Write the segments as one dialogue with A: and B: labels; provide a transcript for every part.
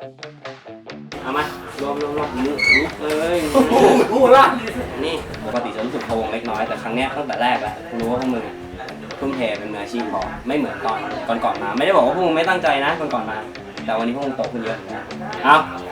A: เอามารวมลุกเลยพูดละนี่ปกติจะรู้สึกพะวงเล็กน้อยแต่ครั้งเนี้ยตั้งแต่แรกแล้วรู้ว่าพวกมึงทุ่มเทเป็นมืออาชีพพอไม่เหมือนตอนก่อนมาไม่ได้บอกว่าพวกมึงไม่ตั้งใจนะก่อนมาแต่วันนี้พวกมึงโตขึ้นเยอะนะเอา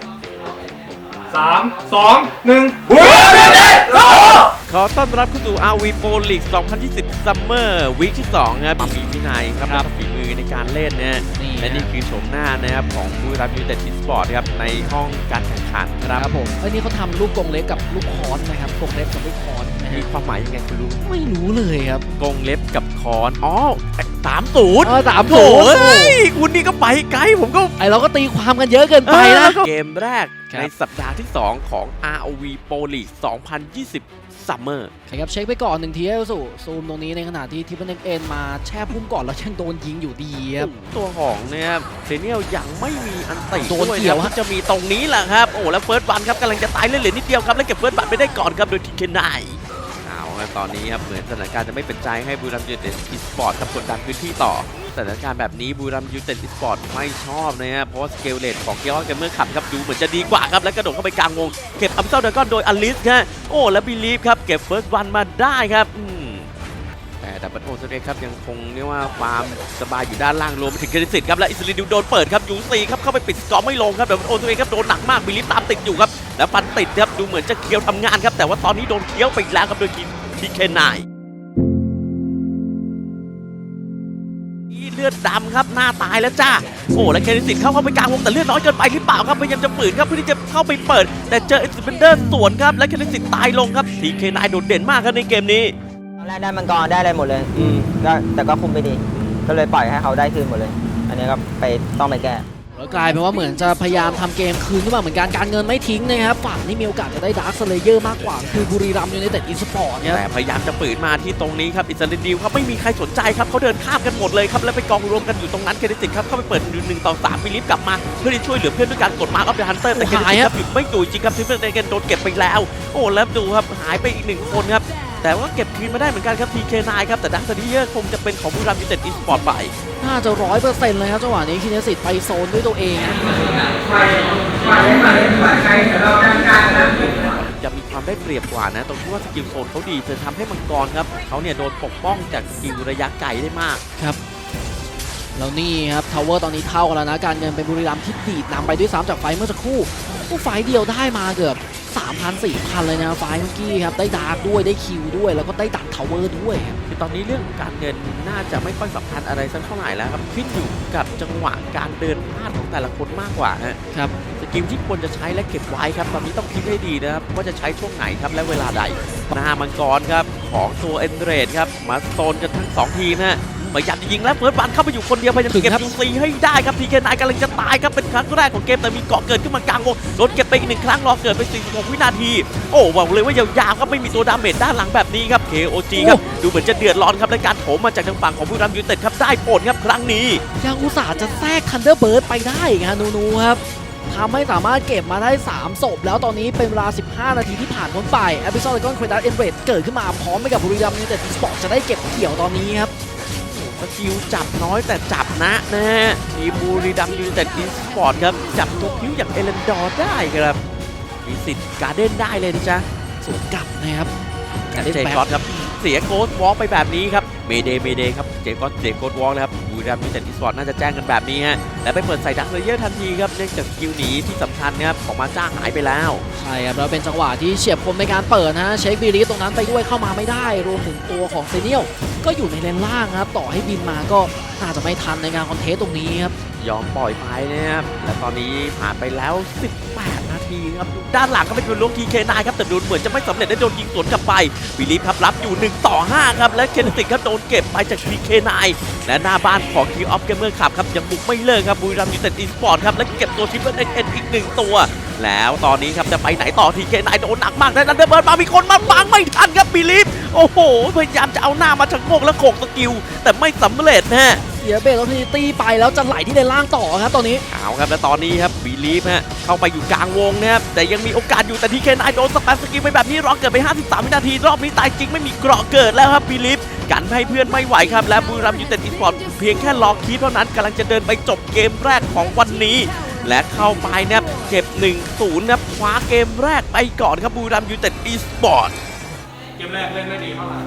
B: 3 2 1
C: ขอต้อนรับเข้าสู่ RV Pro League 2020 Summer Week ที่2ครับมีวินัยครับฝีมือในการเล่นนะและนี่คือโฉมหน้านะครับของบุรีรัมย์ยูไนเต็ดอีสปอร์ตครับในห้องการแข่งขันครับผม
D: นี่เขาทำลูกกรงเล็บกับลูกคอนนะครับกรงเล็บกับลูกคอน
C: มีความหมายยังไงคุณรู้
D: ไม่รู้เลยครับ
C: กรงเล็บกับคอนอ๋อ30
D: 30
C: คุณนี่ก็ไปไกลผมก็
D: เราก็ตีความกันเยอะเกินไปนะ
C: เกมแรกในสัปดาห์ที่2ของ ROV Pro League 2020 Summer
D: ครับเช็คไปก่อน1ทีให้สู่ซูมตรงนี้ในขณะที่ทิปเปิลเอ็นมาแช่พุ่มก่อนแล้วยังโดนยิงอยู่ดีครับ
C: ตัวของเนี่ยเซเนียลยังไม่มีอันติ
D: โดนเกี่ยว
C: ที่จะมีตรงนี้แหละครับโอ้แล้วเฟิร์สบันครับกำลังจะตายเล่นเหลือนิดเดียวครับแล้วเก็บเฟิร์สบันไปได้ก่อนครับโดยทีเคนายเอาครับตอนนี้ครับเหมือนสถานการณ์จะไม่เป็นใจให้บุรีรัมย์ยูไนเต็ดอีสปอร์ตกดดันพื้นที่ต่อสถานการณ์แบบนี้บุรีรัมย์ยูไนเต็ดอีสปอร์ตไม่ชอบนะครับเพราะว่าสเกลเลตของเกียร์เกมเมอร์ขับครับดูเหมือนจะดีกว่าครับแล้วกระโดดเข้าไปกลางวงเก็บอัมเซลเดอร์กอนโดยอลิสครับโอ้แล้วบิลีฟครับเก็บเฟิร์สวันมาได้ครับแต่ดับเบิลโอเซเอ็กครับยังคงเรียกว่าความสบายอยู่ด้านล่างรวมไปถึงเครดิตครับและอิสราเอลโดนเปิดครับยูซีครับเข้าไปปิดสกอร์ไม่ลงครับดับเบิลโอเซเอ็กครับโดนหนักมากบิลีฟตามติดอยู่ครับแล้วฟันติดครับดูเหมือนจะเคี้ยวทำงานครับแต่ว่าตอนนี้โดนเคี้ยวไปแล้วครับโดยทีเคนายเลือดดำครับหน้าตายแล้วจ้าโอ้และเคนิสิตเข้าไปกลางวงแต่เลือดน้อยเกินไปหรือเปล่าครับพยายามจะฝืนครับเพื่อที่จะเข้าไปเปิดแต่เจออิสเปนเดอร์สวนครับและเคนิสิตตายลงครับทีเคนายโดดเด่นมากครับในเกมนี้
E: ตอนแรกได้มังกรได้อะไรหมดเลยก็แต่ก็คุมไปดีก็เลยปล่อยให้เขาได้คืนหมดเลยอันนี้ก็ต้องไปแก้
D: แล้วกลายเป็นว่าเหมือนจะพยายามทำเกมคืนขึ้นมาเหมือนกันการเงินไม่ทิ้งนะครับฝั่งนี้มีโอกาสจะได้ดาร์คสเลเยอร์มากกว่าคือบุรีรัมย์ยูไนเต็ดอีสปอร์ต
C: แต่พยายามจะปืนมาที่ตรงนี้ครับอิสราเอลครับไม่มีใครสนใจครับเขาเดินข้ามกันหมดเลยครับแล้วไปกองรวมกันอยู่ตรงนั้นเคนิสิตครับเข้าไปเปิด1 ต่อ 3บิลิฟกลับมาเพื่อที่ช่วยเหลือเพื่อนด้วยการกดมาร์คออฟเดอะฮันเตอร์แต่เคนิสิตครับไม่อยู่จริงครับทิปเปิลเอ็นโดนเก็บไปแล้วโอ้แล้วดูครับหายไปอีก1 คนครับแต่ว่าเก็บคืนมาได้เหมือนกันครับทีเคนายครับแต่ดักสตีเยอร์คงจะเป็นของบุรีรัมย์ยูไนเต็ดอีสปอร์ตไป
D: น่าจะ100%เลยครับจังหวะนี้คินเนสิตไปโซนด้วยตัวเอง
C: จะมีความได้เปรียบกว่านะตรงที่ว่าสกิลโซนเขาดีจะทำให้มังกรครับเขาเนี่ยโดนปกป้องจากสกิลระยะไกลได้มาก
D: ครับแล้วนี่ครับทาวเวอร์ตอนนี้เท่ากันแล้วนะการเงินเป็นบุรีรัมย์ที่ดีดนำไปด้วย3จากไฟเมื่อสักครู่ไฟเดียวได้มาเกือบ3,000-4,000 เลยนะไฟเมื่อกี้ครับได้ดาร์กด้วยได้คิวด้วยแล้วก็ได้ดักทาวเวอร์ด้วย
C: คือตอนนี้เรื่องการเงินน่าจะไม่ค่อยสำคัญอะไรสักเท่าไหร่แล้วครับขึ้นอยู่กับจังหวะการเดินพลาดของแต่ละคนมากกว่า
D: ครับ
C: สกิลที่ควรจะใช้และเก็บไว้ครับตอนนี้ต้องคิดให้ดีนะครับว่าจะใช้ช่วงไหนครับและเวลาใดหน้ามังกรครับของตัวเอ็นเดรดครับมาโซนกันทั้ง2 ทีมนะพยายามจะยิงแล้วเฟิร์สบันเข้าไปอยู่คนเดียวพยายามเก็บยูซีให้ได้ครับทีเคนายกำลังจะตายครับเป็นครั้งแรกของเกมแต่มีเกาะเกิดขึ้นมากลางวงโดนเก็บไปอีก1 ครั้งรอเกิดไป46 วินาทีโอ้บอกเลยว่ายาวๆครับไม่มีตัวดาเมจด้านหลังแบบนี้ครับ KOG ครับดูเหมือนจะเดือดร้อนครับในการโถมมาจากทางฝั่งของบุรีรัมย์ยูไนเต็ดครับได้ผลครับครั้งนี้
D: ยังอุตส่าห์จะแทรกทันเดอร์เบิร์ดไปได้ครับนูครับทำให้สามารถเก็บมาได้3 ศพแล้วตอนนี้เป็นเวลา15 นาทีที่ผ่านพ้นไปแอพิโซดเลกอนเครดัสเอ็นเรดเกิดขึ้นมาพร้อมไปกับบุรีรัมย์ยูไนเต็ดอีสปอร์ตจะได้เก็บเกี่ยวตอนนี้ครับ
C: สกิลจับน้อยแต่จับนะฮะทีมบุรีรัมย์ยูไนเต็ดอีสปอร์ตครับจับตัวพิ้วอย่างเอเลนดอร์ได้ครับมีสิทธิ์การ์เด้นได้เลยนะจ๊ะ
D: สวนกลับนะครับ
C: การ์เด้นแบ็คครับเสียโกสวอล์กไปแบบนี้ครับเมเดย์ครับเจโกสวอล์กนะครับบุรีรัมย์ยูไนเต็ดอีสปอร์ตน่าจะแจ้งกันแบบนี้ฮะและไปเปิดใส่ดักเลเยอร์ทันทีครับเนื่องจากสกิลหนีที่สำคัญนะครับของมาจ้าหายไปแล้ว
D: ใช่ครับแล้วเป็นจังหวะที่เฉียบคมในการเปิดนะเช็คบีรีตรงนั้นไปด้วยเข้ามาไม่ได้รวมถึงตัวของเซเนียลก็อยู่ในเลนล่างครับต่อให้บินมาก็น่าจะไม่ทันในการคอนเทสตรงนี้ครับ
C: ยอมปล่อยไปนะครับและตอนนี้ผ่านไปแล้ว18 นาทีครับด้านหลังก็เป็นลูกทีเคนายครับแต่ดูเหมือนจะไม่สำเร็จได้โดนยิงสวนกลับไปบิลีฟครับรับอยู่1 ต่อ 5ครับและเคนติกครับโดนเก็บไปจากทีเคนายและหน้าบ้านของทีออฟเกมเมอร์ขับครับยังบุกไม่เลิกครับบุรีรัมย์ยูไนเต็ดอีสปอร์ตครับและเก็บตัวทิปเปิลเอ็นอีก1 ตัวแล้วตอนนี้ครับจะไปไหนต่อทีเคนายโดนหนักมากและนันเดอร์เบิร์ดมามีคนมาบังไม่ทันครับบิลีฟโอ้โหพยายามจะเอาหน้ามาชะโงกและโขกสกิลแต่ไม่สำเร็จนะ
D: เสียเบรกแล้วทีตีไปแล้วจะไหลที่เลนล่างต่อครับตอนนี้
C: เอาครับและตอนนี้ครับบิลีฟเข้าไปอยู่กลางวงนะครับแต่ยังมีโอกาสอยู่แต่ทีเคนายโดนสแปมสกิลไปแบบนี้รอเกิดไป53 วินาทีรอบนี้ตายจริงไม่มีเกราะเกิดแล้วครับบิลีฟกันให้เพื่อนไม่ไหวครับและบุรีรัมย์ยูไนเต็ดอีสปอร์ตเพียงแค่รอคีปเท่านั้นกำลังจะเดินไปจบเกมแรกของวันนี้และเข้าไปนะครับเก็บ 1-0 นะครับคว้าเกมแรกไปก่อนครับบุรีรัมย์ยูไนเต็ดอีสปอร์ต
B: เกมแรกเล่นไม่ดีเท่าไหร่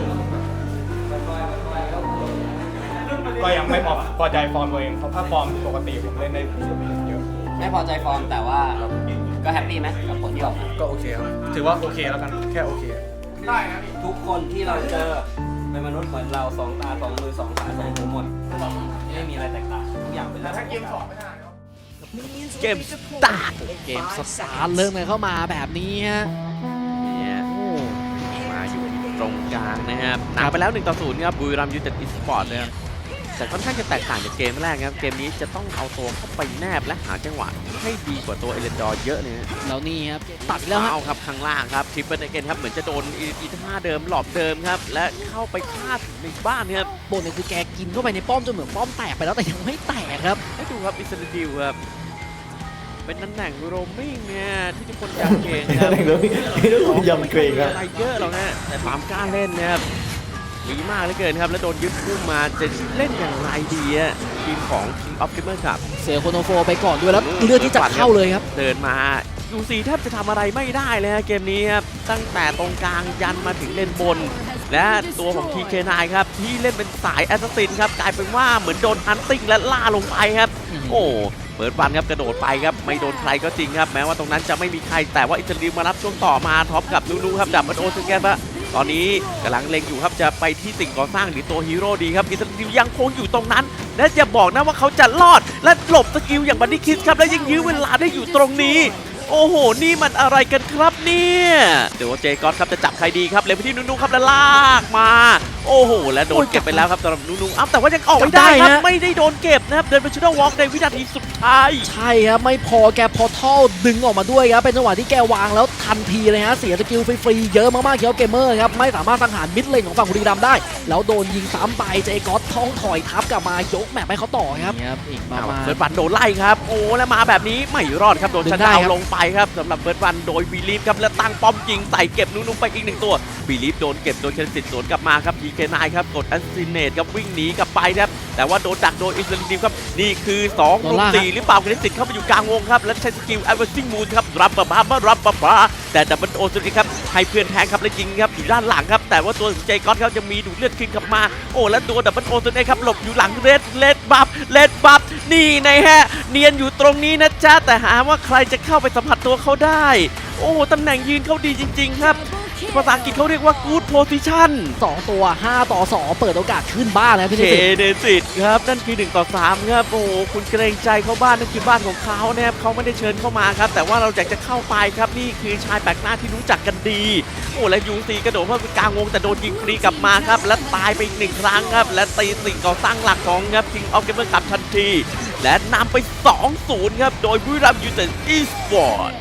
B: ก็ยังไม่พอใจฟอร์มตัวเองเพราะถ้าฟอร์มปกติผมเล่นได้เยอะ
A: ไม่พอใจฟอร์มแต่ว่าก็แฮปปี้ไหมกับผลที่ออกมา
B: ก็โอเคครับถือว่าโอเคแล้วกันแค่โอเคได้นะพี่
A: ทุกคนที่เราเจอเป็นมนุษย์เหมือนเราสองตาสองมือสองขาสองหูหมดไม่มีอะไรแตกต่างทุกอย่างเป็น
B: แต่
A: เรื่อง
B: ถ้าเกมสองไม่ได้เนาะ
C: เกมสตาร์ท
D: เกมสตาร์ทเริ่มกันเข้ามาแบบนี้ฮะ
C: เนี่ยมาอยู่ตรงกลางนะครับนำไปแล้ว 1-0 ครับบุรีรัมย์ยูไนเต็ดอีสปอร์ตนะครับแต่ค่อนข้างจะแตกต่างจากเกมแรกครับเกมนี้จะต้องเอาตัวเข้าไปแนบและหาจังหวะให้ดีกว่าตัวเอเลนดอร์เยอะเลยนะ
D: แล้วนี่ครับตัดแล้วฮะ
C: เอาครับข้างล่างครับทริปเปิลเกนครับเหมือนจะโดนอีท่าเดิมหลอบเดิมครับและเข้าไปฆ่าถึงในบ้านครับ
D: บนเนี่ยคือแกกินเข้าไปในป้อมจนเหมือนป้อมแตกไปแล้วแต่ยังไม่แตกครับ
C: ให้ดูครับอิสราเอลครับเป็นตำแหน่งโรมมิ่งเนี่ยที่ทุกคนอยากเก่งครับ
E: ยำเกรงครับ
C: อะไรเยอะหรอกนะแต่ความกล้าเล่นนะครับมีมากเหลือเกินครับแล้วโดนยึดพุ่มมาจะเล่นอย่างไรดีอะทีมของ King of Gamer ครับ
D: เสียโคโนโฟไปก่อนด้วยแล้วเลือกที่จะเข้าเลยครับ
C: เดินมายูซีแทบจะทำอะไรไม่ได้เลยฮะเกมนี้ครับตั้งแต่ตรงกลางยันมาถึงเลนบน และตัวของ TK9 ครับที่เล่นเป็นสายแอสซัสซินครับกลายเป็นว่าเหมือนโดนฮันติ้งและล่าลงไปครับ โอ้เปิดบันครับกระโดดไปครับไม่โดนใครก็จริงครับแม้ว่าตรงนั้นจะไม่มีใครแต่ว่าอิตาลีมารับช่วงต่อมาท็อปกับนูครับดับเบิลโอสแกนว่าตอนนี้กำลังเล็งอยู่ครับจะไปที่สิ่งก่อสร้างหรือตัวฮีโร่ดีครับอิตาลียังคงอยู่ตรงนั้น และจะบอกนะว่าเขาจะรอดและหลบสกิลอย่างบันดี้คิสครับและยังยื้อเวลาได้อยู่ตรงนี้ โอ้โหนี่มันอะไรกันครับเนี่ยเดี๋ยวเจก๊อตครับจะจับใครดีครับเลยไปที่นูครับแล้วลากมาโอ้โหและโดนเก็บไปแล้วครับสำหรับนูอ้าวแต่ว่ายังออกไม่ได้ครับไม่ได้โดนเก็บนะครับเดินไปชูดวอล์กในวินาทีสุดท้าย
D: ใช่ครับไม่พอแกพอทัลดึงออกมาด้วยครับเป็นจังหวะที่แกวางแล้วทันทีเลยฮะเสียสกิลฟรีๆเยอะมากๆเคียวเกมเมอร์ครับไม่สามารถสังหารมิดเลนของฝั่งบุรีรัมย์ได้ แล้วโดนยิงซ้ำไปเจก๊อตท้องถอยทับกลับมายกแมปให้เขาต่อครับอีกประมาณ
C: เฟิร์สวันโดนไล่ครับโอ้แล้วมาแบบนี้ไม่รอดครับโดน
D: ดึง
C: ชัน
D: ได้
C: ดาว
D: ครับ
C: ลงไปครับสำหรับเฟิร์สวันโดยบีลีฟครับแล้วตั้งป้อมยิงใส่เก็บนูไปอีก1ตัวบีลีฟโดนเก็บโดยเคนสิตสวนกลับมาครับทีเคนายครับกดแอสซินเนตครับวิ่งหนีกลับไปครับแต่ว่าโดนดักโดยอิสราเอลครับนี่คือ2รุม4หรือเปล่าเคนสิตเข้าไปอยู่กลางวงครับแล้วใช้สกิลไอเวอร์ซิงมูนครับรับปะบ้าแต่ดับเบิลโอสุดครับให้เพื่อนแทงครับแล้วยิงครับอยู่ด้านหลังครับแต่ว่าตัวเจก๊อตเขาจะมีดูดเลือดขึ้นกลับมาโอ้แล้วตัวดับเบิลโอสุดครับหลบอยู่หลังเลดบัฟนี่นะฮะเนียนอยู่ตรงนี้นะจ๊ะแต่หาว่าใครจะเข้าไปสัมผัสตัวเขาได้ โอ้ตำแหน่งยืนเขาดีจริงๆครับภาษาอังกฤษเขาเรียกว่า good position
D: 2 ตัว 5 ต่อ 2 เปิดโอกาสขึ้นบ้านแล้วพี่
C: เค
D: เนสิ
C: เนสิตครับนั่นคือ1 ต่อ 3ครับโอ้คุณเกรงใจเขาบ้านนั่นคือบ้านของเขานะครับเขาไม่ได้เชิญเข้ามาครับแต่ว่าเราอยากจะเข้าไปครับนี่คือชายแปลกหน้าที่รู้จักกันดีโอ้และยูซีกระโดดเข้าไปกลางวงแต่โดนยิงฟรีกลับมาครับและตายไปอีก1 ครั้งครับและตีสิ่งก่อสร้างหลักของครับ King of Gamer กลับทันทีและนำไป 2-0 ครับโดยบุรีรัมย์ยูไนเต็ดอีสปอร์ต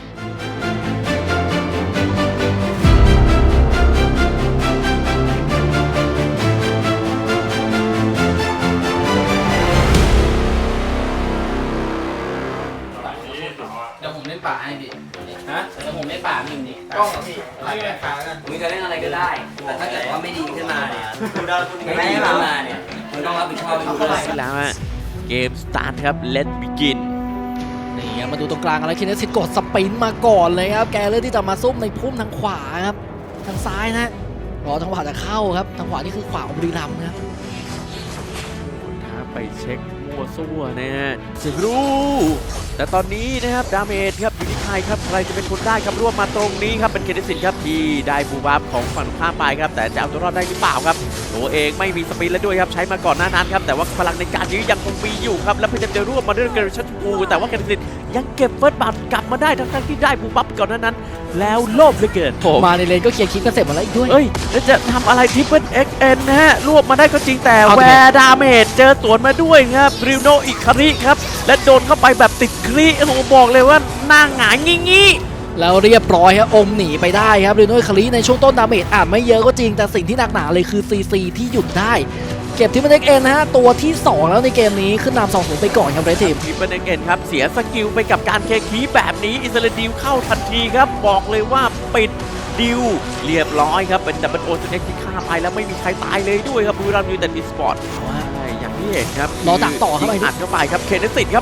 F: เดี๋ยวผมเล่นป่าให้พี่
A: ฮะ
F: เดี๋ยวผมเล่นป่าพี่นี่
B: กล้องกับพี่ไม่ได้ขากัน
A: มึงจะเล่นอะไรก็ได้ แต่ถ้าเกิดว่าไม่ดีขึ้นมาเนี่ยไม่ดีขึ้นมาเนี่ยมึงต้องรับผิดชอบให้ดูด้วย
C: แล้วฮะเกมสตาร์ทครับ Let's begin
D: นี่ครับมาดูตรงกลางกันแล้วคินเนสิตกดสปรินต์มาก่อนเลยครับแกเลือกที่จะมาซุ่มในพุ่มทางขวาครับทางซ้ายนะรอทางขวาจะเข้าครับทางขวานี่คือขวาของบุรีรัมย์นะครับ
C: ท้าไปเช็คมั่วซั่วนะฮะจะรู้แต่ตอนนี้นะครับดาเมจครับอยู่ที่ใครครับใครจะเป็นคนได้ครับร่วมมาตรงนี้ครับเป็นเคเดสินครับที่ได้บูบัฟของฝั่งข้ามไปครับแต่จะเอาตัวรอดได้หรือเปล่าครับตัวเองไม่มีสปีดแล้วด้วยครับใช้มาก่อนหน้านั้นครับแต่ว่าพลังในการยื้อยังคงมีอยู่ครับและพยายามจะร่วมมาด้วยเกรชั่นกูแต่ว่าเคเดสินยังเก็บเฟิร์สบัตกลับมาได้ทั้งที่ได้บูบัฟก่อนหน้านั้นแล้วโลภเหลือเกิน
D: มาในเลนก็เคลียร์คลิปกันเสร็จหมดแล้วอีกด้วย
C: เอ้ยแล้วจะทำอะไรทิปเปิลเอ็กเอ็นนะฮะรวบมาได้ก็จริงแต่
D: เอา
C: แว
D: เถอะ
C: ร์ดาเมจเจอสวนมาด้วยครับริวโนอิคาริครับและโดนเข้าไปแบบติดคลีโอ้โหบอกเลยว่าหน้าหงายงี้
D: แล้วเรียบร้อยครับอมหนีไปได้ครับเรโน่คาริในช่วงต้นดาเมจอาจไม่เยอะก็จริงแต่สิ่งที่หนักหนาเลยคือซีซีที่หยุดได้เก็บทีมเด็กเอ็นนะฮะตัวที่ 2 แล้วในเกมนี้ขึ้นนำ2-0ไปก่อนครับเรดทีม
C: ทิปเปิลเอ็กเอ็นครับเสียสกิลไปกับการเคคีแบบนี้อิสราเอลเข้าทันทีครับบอกเลยว่าปิดดิวเรียบร้อยครับเป็นดับเบิลโอเอ็กที่ฆ่าไปแล้วไม่มีใครตายเลยด้วยครับบุรีรัมย์ยูไนเต็ดอีสปอร์ตอย่างที่เห็นครับ
D: รอดักต่อเข้าไป
C: ยิงอัดเข้าไปครับเคนเนสิตครับเขา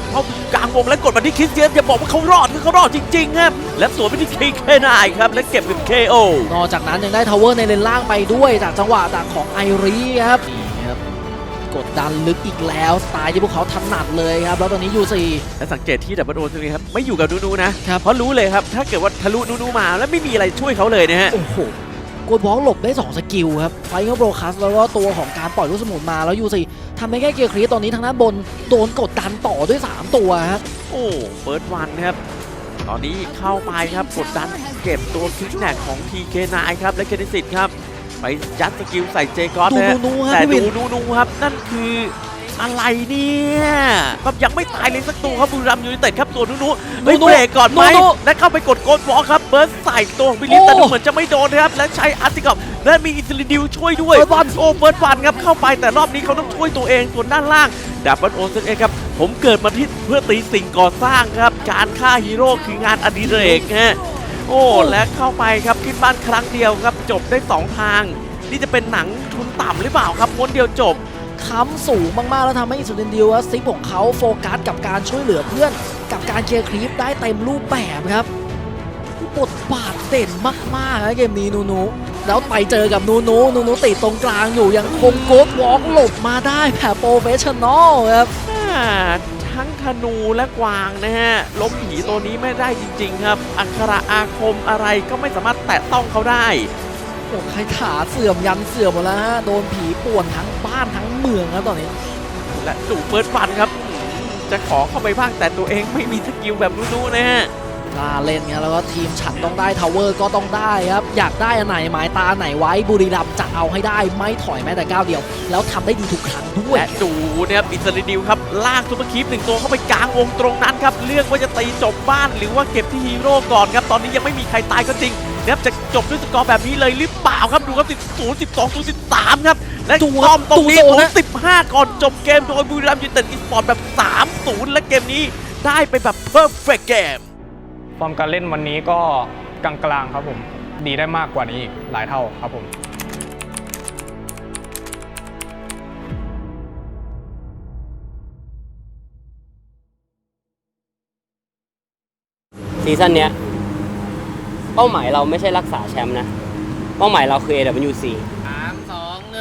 C: กลางวงและกดมาที่คริสเตียนอย่าบอกว่าเขารอดคือเขารอดจริงๆครับและสวนไปที่KK9ครับและเก็บเป็น KO
D: นอกจากนั้นยังได้ทาวเวอร์ในเลนล่างไปด้วยจากจังหวะดักของไอรีครับนี่ครับกดดันลึกอีกแล้วสไตล์ที่พวกเขาถนัดเลยครับแล้วตอนนี้ยูซี
C: และสังเกตที่ดับเบิลโอตรงนี้ครับไม่อยู่กับนูนะครับ เพราะรู้เลยครับถ้าเกิดว่าทะลุนูมาแล้วไม่มีอะไรช่วยเขาเลยนะฮะ
D: โอ้โหกดบล็อกหลบได้2สกิลครับไฟเงาโบรคัสแล้วก็ตัวของการปล่อยลูกสมุนมาแล้วยูซีทำได้แค่เกียร์ครีสตอนนี้ทางด้านบนโดนกดดันต่อด้วย3ตัวครับ
C: โอ้เฟิร์สวันครับตอนนี้เข้าไปครับกดดันเก็บตัวคิกแนกของ TK9 ครับและเคเนซิตครับไปยัดสกิลใส่เจคอส
D: ดู
C: นะฮะ
D: นูครับ
C: แต่
D: พี่วิน
C: ดูนูครับนั่นคืออะไรเนี่ยครับยังไม่ตายเลยสักตัวครับบุรีรัมย์ยูไนเต็ดครับตัวนูเฮ้ยเบรกก่อนไหมและเข้าไปกดโกดวอลครับเบิร์สใส่ตัวของบิลลิสแต่ดูเหมือนจะไม่โดนนะครับและใช้อาร์ติกอฟและมีอิสลิดิวช่วยด้วย
D: เฟิร์สวัน
C: โอ้เฟิร์สวันครับเข้าไปแต่รอบนี้เขาต้องช่วยตัวเองส่วนด้านล่างดับเบิลโอซึเองครับผมเกิดมาที่เพื่อตีสิ่งก่อสร้างครับการฆ่าฮีโร่คืองานอดิเรกฮะโอ้และเข้าไปครับขึ้นบ้านครั้งเดียวครับจบได้2ทางนี่จะเป็นหนังทุนต่ำหรือเปล่าครับม้วนเดียวจบ
D: ค้ำสูงมากๆแล้วทำให้อิสุดินดิวซิปของเขาโฟกัสกับการช่วยเหลือเพื่อนกับการเคลียร์คลิปได้เต็มรูปแบบครับบทบาทเด่นมากๆนะเกมนี้นูแล้วไปเจอกับนูติดตรงกลางอยู่ยังคงโกดวอล์กหลบมาได้แบบโปรเฟชชั่นอลครับ
C: ทั้งธนูและกวางนะฮะล้มผีตัวนี้ไม่ได้จริงๆครับอักขระอาคมอะไรก็ไม่สามารถแตะต้องเขาได้
D: โอ้ใครขาเสื่อมยันเสื่อมหมดแล้วฮะโดนผีป่วนทั้งบ้านทั้งเมืองครับตอนนี้
C: และดูเฟิร์สฟันครับจะขอเข้าไปบ้างแต่ตัวเองไม่มีสกิลแบบนู้ๆนะฮะ
D: กล้าเล่นเงี้ยแล้วก็ทีมฉันต้องได้ทาวเวอร์ก็ต้องได้ครับอยากได้อันไหนหมายตาไหนไว้บุรีรัมย์จะเอาให้ได้ไม่ถอยแม้แต่ก้าวเดียวแล้วทำได้ดีทุกครั้งด้วย
C: และดูเนี่ยอิสราดิวครับลากซุปเปอร์คีป1ตัวเข้าไปกลางวงตรงนั้นครับเลือกว่าจะตีจบบ้านหรือว่าเก็บที่ฮีโร่ก่อนครับตอนนี้ยังไม่มีใครตายก็จริงนะครับจะจบด้วยสกอร์แบบนี้เลยหรือเปล่าครับดูครับ10 12 13ครับและ
D: ดู
C: ต้อมตรงนี้
D: ดูโซนนะ
C: 15ก่อนจบเกมโดยบุรีรัมย์ยูไนเต็ดอีสปอร์ตแบบ3-0และเกมนี้ได้ไปแบบเพอร์เฟกต์เกม
B: ฟอร์มการเล่นวันนี้ก็กลางๆครับผมดีได้มากกว่านี้อีกหลายเท่าครับผม
A: ซีซั่นเนี้ยเป้าหมายเราไม่ใช่รักษาแชมป์นะ เป้าหมายเราคือ AWC
F: 3 2 1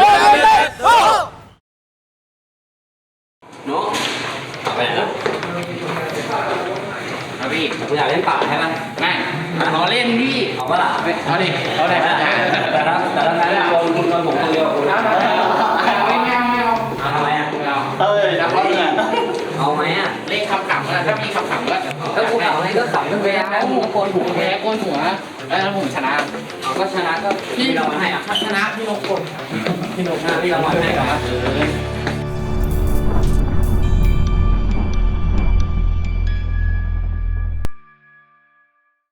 A: โน้ไปไหนแล้ว
F: ครับพี่
A: คุณอยากเล่นป่าใช่ไหม
F: ไม่รอเล่นพี่
A: เอาปะล่ะ
F: เอาดิเอาดิ
A: แต่ละนั้นโดนคุณโดนผมคนเดียวคุณ
F: ไม่เอา
A: เอาทำไมอ่ะ
F: เอ้ยแล้วก็เนี่ย
A: เอาไหมอ่ะ
F: เล่นคำขำก็ถ้ามีคำขำก็
A: ถ้ากูขำอะไรก็ขำกันไปแล้วกูโกนหัว
F: แพ้ก้นหัวแล้วผมชนะ
A: เอาก็ชนะก็พี่รางวัลให้อ่ะ
F: ชนะพี่นกคน
A: พี่รางวัลให้กับ